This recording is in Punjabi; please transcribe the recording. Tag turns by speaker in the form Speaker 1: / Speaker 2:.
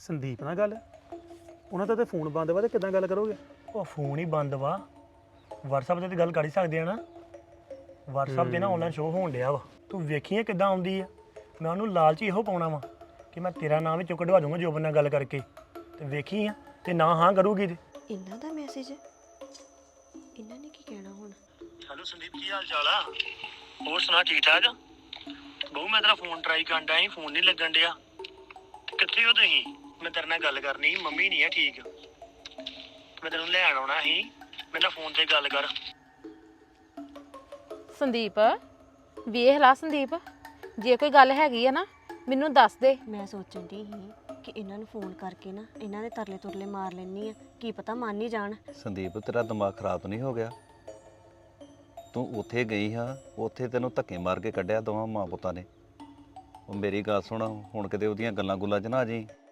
Speaker 1: ਸੰਦੀਪ ਨਾਲ ਗੱਲ? ਉਹਨਾਂ ਦਾ ਤੇ ਫੋਨ ਬੰਦ ਵਾ ਤੇ ਕਿੱਦਾਂ ਗੱਲ ਕਰੋਗੇ?
Speaker 2: ਉਹ ਫੋਨ ਹੀ ਬੰਦ ਵਾ। WhatsApp ਤੇ ਗੱਲ ਕਰ ਹੀ ਸਕਦੇ ਆ ਨਾ। WhatsApp ਤੇ ਨਾ ਆਨਲਾਈਨ ਸ਼ੋਅ ਹੋਣ ਡਿਆ ਵਾ। ਤੂੰ ਵੇਖੀਏ ਕਿੱਦਾਂ ਆਉਂਦੀ ਆ। ਮੈਂ ਉਹਨੂੰ ਲਾਲਚ ਇਹੋ ਪਾਉਣਾ ਵਾ ਕਿ ਮੈਂ ਤੇਰਾ ਨਾਮ ਵਿੱਚੋਂ ਕਢਵਾ ਦੂੰਗਾ ਜੋਬਨ ਨਾਲ ਗੱਲ ਕਰਕੇ, ਤੇ ਵੇਖੀ ਆ ਤੇ ਨਾ ਹਾਂ ਕਰੂਗੀ ਤੇ।
Speaker 3: ਇਹਨਾਂ ਦਾ ਮੈਸੇਜ ਇਹਨਾਂ ਨੇ ਕੀ ਕਹਿਣਾ ਹੁਣ?
Speaker 2: ਹੈਲੋ ਸੰਦੀਪ, ਕੀ ਹਾਲ ਚਾਲ ਆ? ਹੋਰ ਸੁਣਾ, ਠੀਕ ਠਾਕ? ਬਹੁ ਮੈਂ ਤੇਰਾ ਫੋਨ ਟਰਾਈ ਕਰਨ ਡਿਆ ਸੀ, ਫੋਨ ਨਹੀਂ ਲੱਗਣ ਡਿਆ। ਕਿੱਥੇ ਹੋ ਤੁਸੀਂ? ਮੈਂ ਤੇਰੇ ਨਾਲ ਗੱਲ ਕਰਨੀ ਸੀ। ਮੰਮੀ ਨਹੀਂ ਆ ਠੀਕ, ਮੈਂ ਤੈਨੂੰ ਲੈਣ ਆਉਣਾ ਸੀ। ਮੇਰੇ ਨਾਲ ਫੋਨ ਤੇ ਗੱਲ ਕਰ।
Speaker 4: ਸੰਦੀਪ, ਵੇਖ ਲਾ ਸੰਦੀਪ, ਜੇ ਕੋਈ ਗੱਲ ਹੈਗੀ ਆ ਨਾ ਮੈਨੂੰ ਦੱਸ ਦੇ।
Speaker 3: ਮੈਂ ਸੋਚਣ ਦੀ ਸੀ ਕਿ ਇਹਨਾਂ ਨੂੰ ਫੋਨ ਕਰਕੇ ਨਾ ਇਹਨਾਂ ਦੇ ਤਰਲੇ ਤੁਰਲੇ ਮਾਰ ਲੈਣੀ ਆ, ਕੀ ਪਤਾ ਮੰਨ ਹੀ ਜਾਣ।
Speaker 5: ਸੰਦੀਪ, ਤੇਰਾ ਦਿਮਾਗ ਖਰਾਬ ਤਾਂ ਨਹੀਂ ਹੋ ਗਿਆ? ਤੂੰ ਉੱਥੇ ਗਈ ਹਾਂ, ਉੱਥੇ ਤੈਨੂੰ ਧੱਕੇ ਮਾਰ ਕੇ ਕੱਢਿਆ ਦੋਵਾਂ ਮਾਂ ਪੁੱਤਾਂ ਨੇ। ਉਹ ਮੇਰੀ ਗੱਲ ਸੁਣ, ਹੁਣ ਕਿਤੇ ਉਹਦੀਆਂ ਗੱਲਾਂ ਗੁੱਲਾਂ 'ਚ ਨਾ ਆ ਜਾਈਂ।